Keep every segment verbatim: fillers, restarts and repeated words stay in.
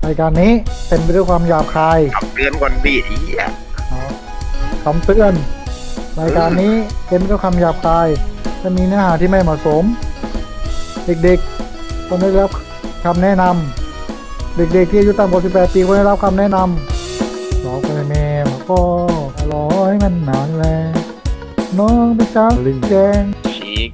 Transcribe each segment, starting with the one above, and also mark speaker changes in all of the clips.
Speaker 1: รายการนี้เต็มไปด้วยความหยาบคาย
Speaker 2: คำเตือนก่อนพี่อีอ่ะ
Speaker 1: คำเตือนรายการนี้เต็มไปด้วยคำหยาบคายจะมีเนื้อหาที่ไม่เหมาะสมเด็กๆควรได้รับคำแนะนำเด็กๆที่อายุต่ำกว่าสิบแปดปีควรได้รับคำแนะนำบอกไปแม่ก็รอให้มันนานแล้วน้องไปสาวลิงแดง
Speaker 2: ชีก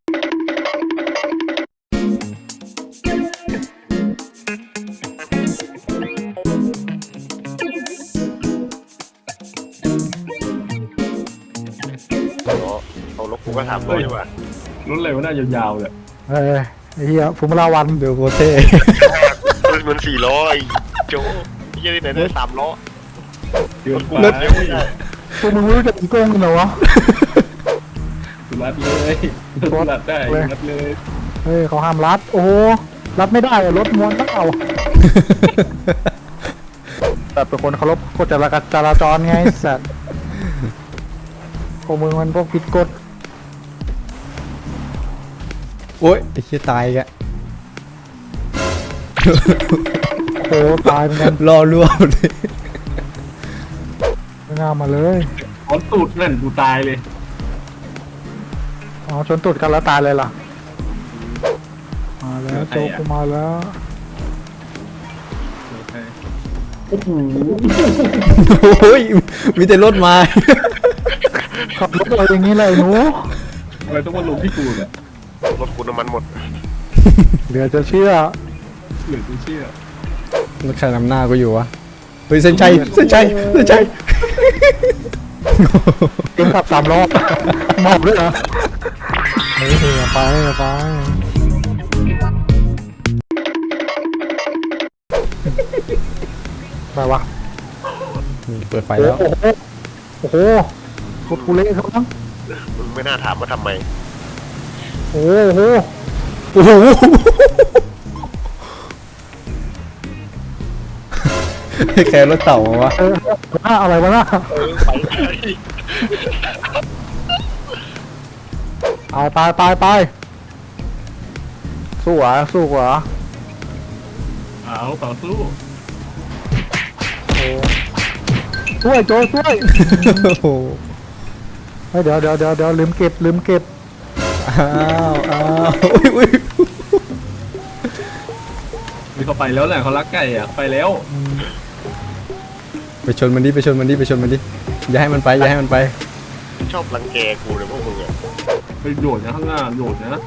Speaker 2: เอารถกูก็ถามด้วยว่า
Speaker 3: รุ่นอะไรวะน่ายาวๆเลย
Speaker 1: เฮ้ยไอ้เหี้ยฟูมิลาวัน
Speaker 4: เดี๋ยวโคเท่
Speaker 2: มันมันสี่ล้อไอ้โจ้ยี่ที่ไหนได้สามล้อ
Speaker 3: เดือนกว่า
Speaker 1: พวกมึงรู้จักอีโก้งกันเหรอวะ
Speaker 3: รัดเลยรัดได้รัดเลย
Speaker 1: เฮ้ยเขาห้ามรัดโอ้รัดไม่ได้รถม้วนต้องเอาแต่เป็นคนเคารพกฎจราจรไงสัตว์พวกมึงมันพวกผิดกฎ
Speaker 4: โอ๊ยไอ้เหี้ยตายแก
Speaker 1: โอ้ตายเหมือนกัน
Speaker 4: รอรั่วเลย
Speaker 1: ไม่น่ามาเลย
Speaker 3: ขอตูดนั่นกูตายเลย
Speaker 1: อ๋อชนตูดกันแล้วตายเลยล่ะมาแล้วโจกูมาแล้ว
Speaker 4: โอ้โหโอ้ยมีแต่รถมา
Speaker 1: ขับรถอะไรอย่างนี้เลยหนู
Speaker 3: ทำไมต้องมาลงที่กูเนี่ย
Speaker 2: รถกูน้ำมันหมด
Speaker 1: เหลือจะเชื่อ
Speaker 3: เหลือจะเชื่อ
Speaker 4: รถใครนำหน้ากูอยู่วะเฮ้ยเส้นชัยเส้นชัยเส้นชัย
Speaker 1: เก่งขับสามรอบมอบด้วยเหรอเฮ้ยไปไปไปวะ
Speaker 4: เปิดไฟแล้ว
Speaker 1: โอ้โหรถกูเละครับทั้ง
Speaker 2: มึงไม่น่าถามว่าทำไม
Speaker 1: โอ้โห
Speaker 4: โอ้โหแค่รถเต่าวะ
Speaker 1: หน้าอะไรวะหน้าไปไปไปไปสู้เหรอสู้เหรอ
Speaker 3: เอาต่อสู้
Speaker 1: ช่วยโจช่วยเฮ้ยเดี๋ยวเดี๋ยวเดี๋ยวเดี๋ยวลืมเก็บลืมเก็บ
Speaker 4: อ้าวอ้าวอุ้ยอุ้ย
Speaker 3: มีเขาไปแล้วแหละเขารักไก่อ่ะไปแล้ว
Speaker 4: ไปชนมันดิไปชนมันดิไปชนมันดิอย่าให้มันไปอย่าให้มันไป
Speaker 2: ชอบรังแกกูเลยพวกมึงอ่ะ
Speaker 3: ไปโดดนะข้างหน้าโดดนะ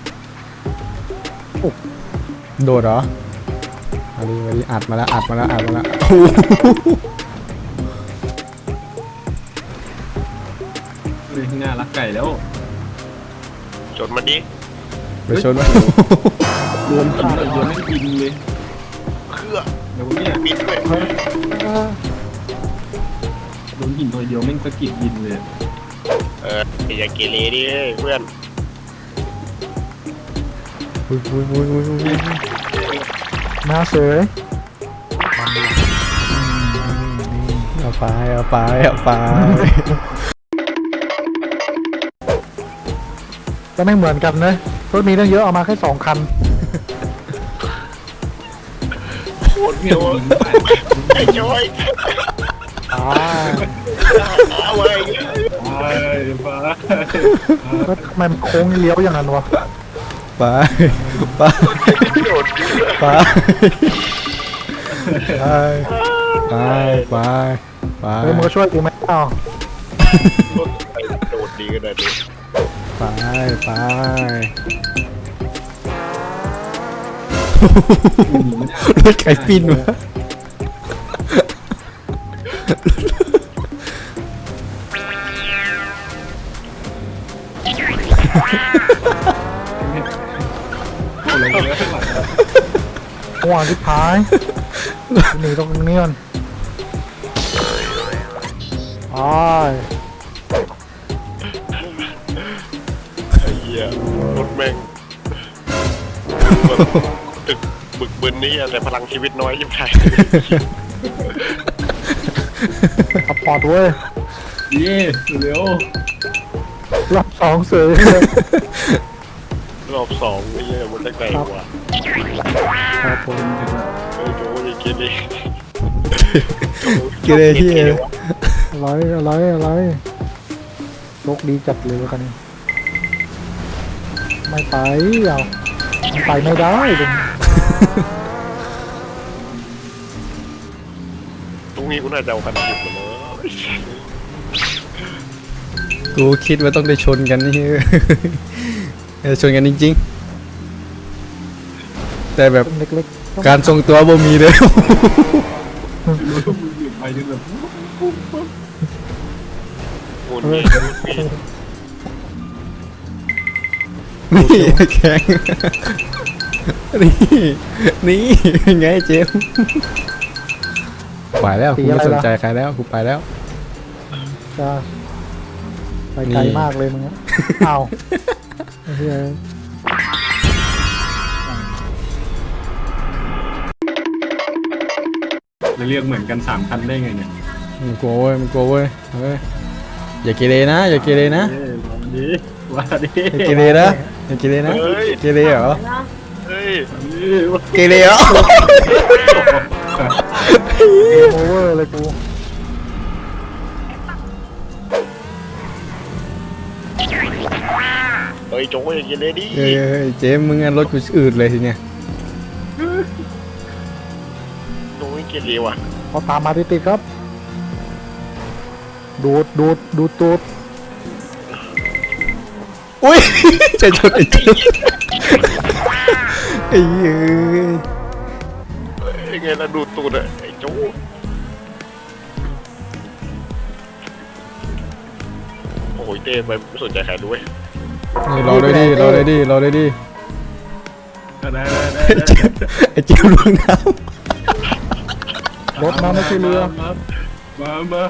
Speaker 4: โดดเหรอมาดิมาดิอัดมาแล้วอัดมาแล้วอัดมาแล้ว
Speaker 3: เลยข้างหน้ารักไก่แล้ว
Speaker 2: ชนมันดิ
Speaker 4: ไปชนมัน
Speaker 3: รวมกันเลยเดี๋ยวไม่บินเลย
Speaker 2: เครื่อง
Speaker 3: เดี๋ยวเนี่ย
Speaker 2: บินด้วย
Speaker 3: โดนหินหน่อยเดียวแม่งสะกิดบินเลย
Speaker 2: เอออย่าเกเรดิเพื่อน
Speaker 1: มาเสย
Speaker 4: เอาไปเอาไปเอาไป
Speaker 1: ก็ไม่เหมือนกันนะรถมีตั้งเยอะเอามาแค่สองคัน
Speaker 2: โคตรเยอะไอ้ย้อย
Speaker 1: อ่า
Speaker 2: เอาไว้
Speaker 3: ไปไป
Speaker 1: ก็ทำไมมันโค้งเลี้ยวอย่างนั้นวะ
Speaker 4: ไปไปไปไปไปไป
Speaker 1: เฮ้ยมึงก็ช่วยกูไหมอ้าว
Speaker 2: โดดดีกันเลยดิ
Speaker 4: ไปไปรถไก่ปิ้นวะ
Speaker 1: หัวสุดท้ายหนีตรงนี้ก่อนไ
Speaker 2: อ้เหี้ยรถแม่งตึกบึกบึนนี่แต่พลังชีวิตน้อยยิ่งใหญ่
Speaker 1: ขับปอดเว้ย
Speaker 3: เย่เร็ว
Speaker 1: รอบสองเสย
Speaker 2: รอบสองไอ้เหี้ยมันได้ไกลกว่า
Speaker 1: ครับผม
Speaker 2: เออโจ้จเกเร
Speaker 4: เกเรที่
Speaker 1: อะไรอะไรอะไรโชคดีจัดเลยคันนี้ไม่ไปเอามันไปไม่ได้ตรงนี้
Speaker 2: ตรงนี้กูน่าจะเอาคันหยิบมาเลย
Speaker 4: กูคิดว่าต้องได้ชนกันนี่ เออชนกันจริงๆแต่แบบ
Speaker 1: เล็กๆต้อง
Speaker 4: การทรงตัวบ่มีเลย
Speaker 3: ไปจนแบบ
Speaker 2: งูนี่งูนี่
Speaker 4: นี่แข็งนี่นี่ไงเจมส์ไปแล้วกูไม่สนใจใครแล้วกูไปแล้ว
Speaker 1: จะไปไกล
Speaker 4: นี่
Speaker 1: มากเลยมึงอะเอาไอ้เหี้ย
Speaker 3: จะเรียกเหมือนกันสามคันได้ไงเนี่ย
Speaker 4: มึงกลัวเว้ยมึงกลัวเว้ยเฮ้ยอย่าเกเรนะอย่าเกเรนะ
Speaker 3: เอ้ยวันนี้ว่าดิ
Speaker 4: อย่าเกเรนะอย่าเกเรนะเกเรเหรอ
Speaker 2: เฮ้ย
Speaker 4: เกเรเหรอ
Speaker 1: เกมโอเวอร์เลยกู
Speaker 2: เฮ้ยโจ้ยเกเรดิ
Speaker 4: เฮ้ยเฮ้ยเจมส์มึงงั้นรถกูอืดเลยทีเนี้ย
Speaker 2: โจ้ยเกเรว่ะ
Speaker 1: เขาตามมาติดๆครับ ดูดดูดดูดตูด
Speaker 4: อุ้ย จะชนไอ้เจมส์ไอ้เหี้ย
Speaker 2: ไอ้ไงล่ะดูตูดอะไอ้โจ้โอ้ยเต้ไปไม่สนใจใครด้วย
Speaker 4: นี่รอด้วยดิรอด้วยดิรอด้วยดิ
Speaker 3: ได้ได้ได้
Speaker 4: ไอ้เจมส์ไอ้เจมส์ลงน้
Speaker 1: รถมาไม่ใช่เรือ
Speaker 3: มามามา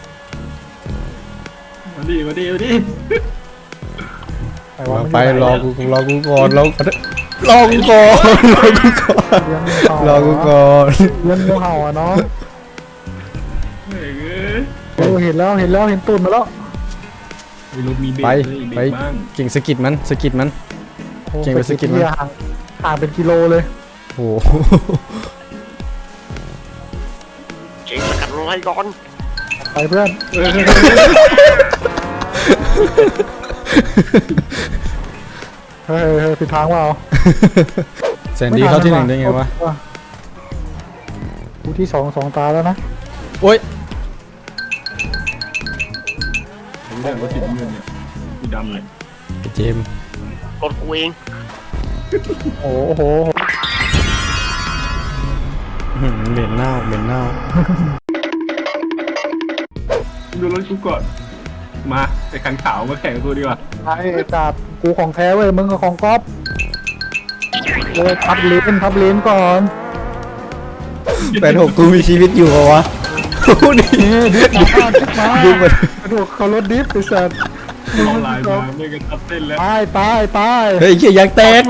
Speaker 3: มาดิมาดิมาดิ
Speaker 1: ไอ้
Speaker 4: ำ
Speaker 1: วะ
Speaker 4: มา
Speaker 1: มัน
Speaker 4: ไป
Speaker 1: อยู่หน
Speaker 4: รอกูรอกูก่อนรอรอกูก่อนรอกูก่อน
Speaker 1: เลี้ยงงูเห่าร
Speaker 4: อกูก่อน
Speaker 1: เลี้ยงงูเห่าอ่ะน้อง
Speaker 3: เฮ้ยเอ้ย
Speaker 1: โอ้เห็นแล้วเห็นแล้วเห็นตูดมาแล้ว
Speaker 3: มีรถมีเบรก
Speaker 4: ไป
Speaker 3: เลยเบ
Speaker 4: ไป
Speaker 3: รกบ้าง
Speaker 4: เก่งสะกิดมันสะกิดมัน
Speaker 1: โอ้
Speaker 4: เก่งไปสกิดมั้ย
Speaker 1: เหี้ยห่างห่างเป็นกิโลเลย
Speaker 4: โอ้โห
Speaker 2: เก่งสกัดไล่ก่อน
Speaker 1: ไปเพื่อน
Speaker 3: เออ
Speaker 1: เฮ้ยเฮ้ยผิดทางเปล่า
Speaker 4: แสนดีเข้าที่หนึ่งได้ไงวะ
Speaker 1: กูที่สองสองตาแล้วนะ
Speaker 4: โอ๊ย
Speaker 3: ผมเรื่องรถสีน้ำเงินเนี่ยสีดำเลย
Speaker 4: ไอ้เจมส์
Speaker 2: รถกูเอง
Speaker 1: โอ้โห
Speaker 4: อื้อหือเหม็นเน่าเหม็นเน่า
Speaker 3: ดูรถกูก่อนมาไอ้คันขาวมาแข่งกับกูดีกว่า
Speaker 1: ไอ้จัดกูของแท้เว้ยมึงกับของก๊อฟเลยทับเลนทับเลนก่อน
Speaker 4: แปดหกกูมีชีวิตอยู่เหรอวะโอ้โหดิ
Speaker 1: นี่ดิฟมาดิฟมา
Speaker 4: ดูมัน
Speaker 1: กระดูกเขารถดิฟไอ้สัตว์
Speaker 3: เอาลายมาไม่กันทับเต้นแล้ว
Speaker 1: ตายตายตาย
Speaker 4: เฮ้ยเหี้ยยางแตก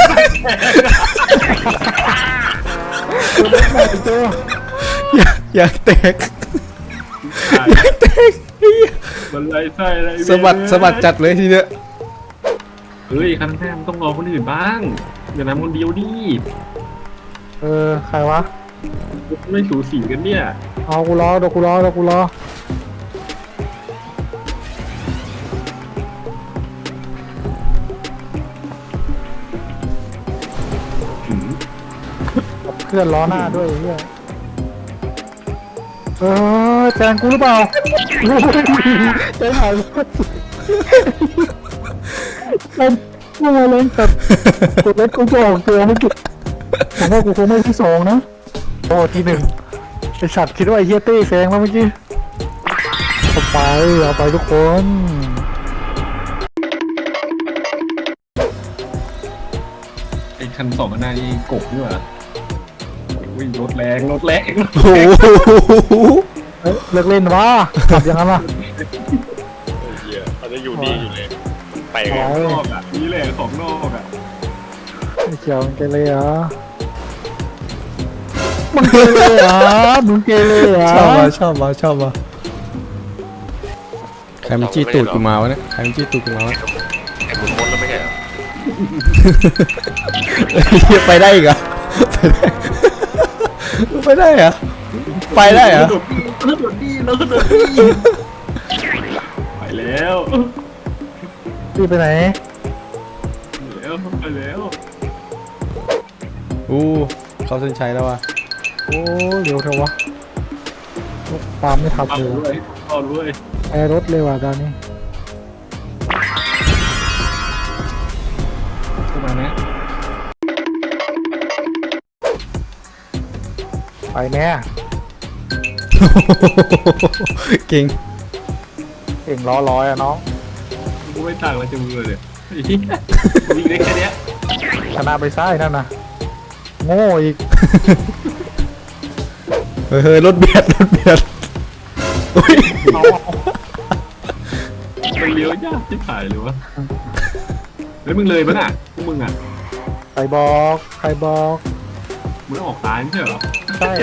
Speaker 1: ตัวเล็กหน่อยตัวย
Speaker 4: างยางแตกยางแตกเหี้ย
Speaker 3: มันไรไส้อะไร
Speaker 4: สะบัดสะบัดจัดเลยทีเนี้ย
Speaker 3: เฮ้ยคันแท้มต้องรอคนอื่นบ้างอย่านำคนเดียวดิ
Speaker 1: เออใครวะ
Speaker 3: ไม่สูสีกันเนี่ย
Speaker 1: เอากูรอเดี๋ยวกูรอเดี๋ยวกูรอเพื่อนล้อหน้าด้วยไอ้เฮียเออแซงกูหรือเปล่าโอ้ยใจหายผมว่ามาเล่นกับกดเล็กกูจะออกตัวไม่กี่ผมว่ากูคงไม่ที่สองนะโอ้ที่หนึ่งไอสัตว์คิดว่าไอเฮียเต้แซงมาเมื่อกี้เอาไปเอาไปทุกคน
Speaker 3: ไอ้คันสองคันหน้านี่กบนี่หว่าโอ้ยรถแรงรถแรง
Speaker 4: โอ้โห
Speaker 1: เอ้ยเลิกเล่นวะขับอย่างนั้นล่ะ
Speaker 2: ไอ้เหี้ยเขาจะอยู่นี่อยู่เลยไป
Speaker 1: โอ้
Speaker 2: ไง
Speaker 1: ย
Speaker 3: นอกอ่ะนี่แหละของนอกอ่ะ
Speaker 1: ไม่เกี่ยวมึงเกเรเหรอมึงเกเรเหรอมึงเกเรเหรอ
Speaker 4: ชอบว่ะชอบว่ะชอบว่ะใครมันจี้ตูดกูมาวะเนี่ยใครมันจี้ตูดกูมาวะ
Speaker 2: ไอ้หมุนวนแล้วไม่ใช่เหรอ
Speaker 4: เหี้ยไปได้อีกเหรอไปได้ไปได้เหรอไปได้เหรอ
Speaker 3: แล้วโดดดีแล้วก็โดดดีไปแล้ว
Speaker 1: พี่ไปไหน
Speaker 3: แล้วไปแล้ว
Speaker 4: อู้เขาเส้นชัยแล้วว่ะ
Speaker 1: โอ้เร็วเถอะวะตามไม่ทัน
Speaker 3: เอา
Speaker 1: เลย
Speaker 3: ด้วยเอาด้วย
Speaker 1: แอร์รถเลยว่ะตอนนี้
Speaker 3: เข้ามานะ
Speaker 1: ไปแม่
Speaker 4: เก่ง
Speaker 1: เก่งล้อร้อยอะน้อง
Speaker 3: กูไม่ต่างอะไรจากมึงเลยไอ้เหี้ยกูวิ่งได้แค่เนี้ย
Speaker 1: ชนะไปซ้ายนั่นนะโง่อีก
Speaker 4: เฮ้ยเฮ้ยรถเบียดรถเบียดอุ้ย
Speaker 1: เอา
Speaker 3: มันเลี้ยวยากที่ถ่ายเลยวะแล้วมึงเลยปะน่ะพวกมึงอ่ะ
Speaker 1: ใครบอกใครบอก
Speaker 3: มึงออกซ้ายไม่ใช่เหรอ
Speaker 1: ใช่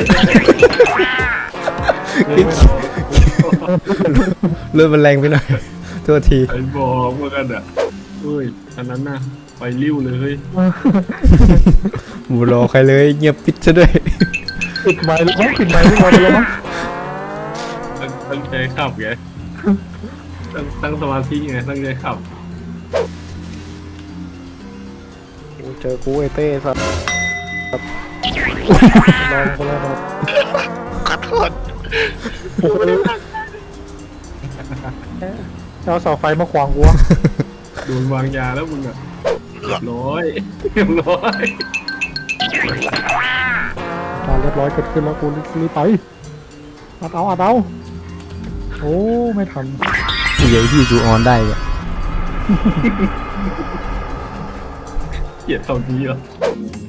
Speaker 4: รถมันแรงไปหน่อยโทษที
Speaker 3: ไอ้บอกเหมือนกันอ่ะเฮ้ยอันนั้นน่ะไปริ้วเลยเฮ้ย
Speaker 4: หมูรอใครเลยเงียบปิดซะด้วย
Speaker 1: ปิดไมค์หรือมั้งปิดไมค์หรือเปล่าไปแล้วมั้ง
Speaker 3: ตั้งตั้งใจขับไงตั้งตั้งสมาธิไงตั้งใจขับ
Speaker 1: โอ้เจอกูไอเต้สัตว์ลองคนละแบบ
Speaker 2: ขอโทษ
Speaker 1: โอ้โหเอาเสาไฟมาขวางกูวะ
Speaker 3: โดนวางยาแล้วมึงอ่ะเรียบร้อยเรียบร้อย
Speaker 1: การเรียบร้อยเกิดขึ้นแล้วกูรีบไปอัดเอาอัดเอาโอ้ไม่ทัน
Speaker 4: ใหญ่ที่จูออนได้เลย
Speaker 3: เกลียดตอนนี้เหรอ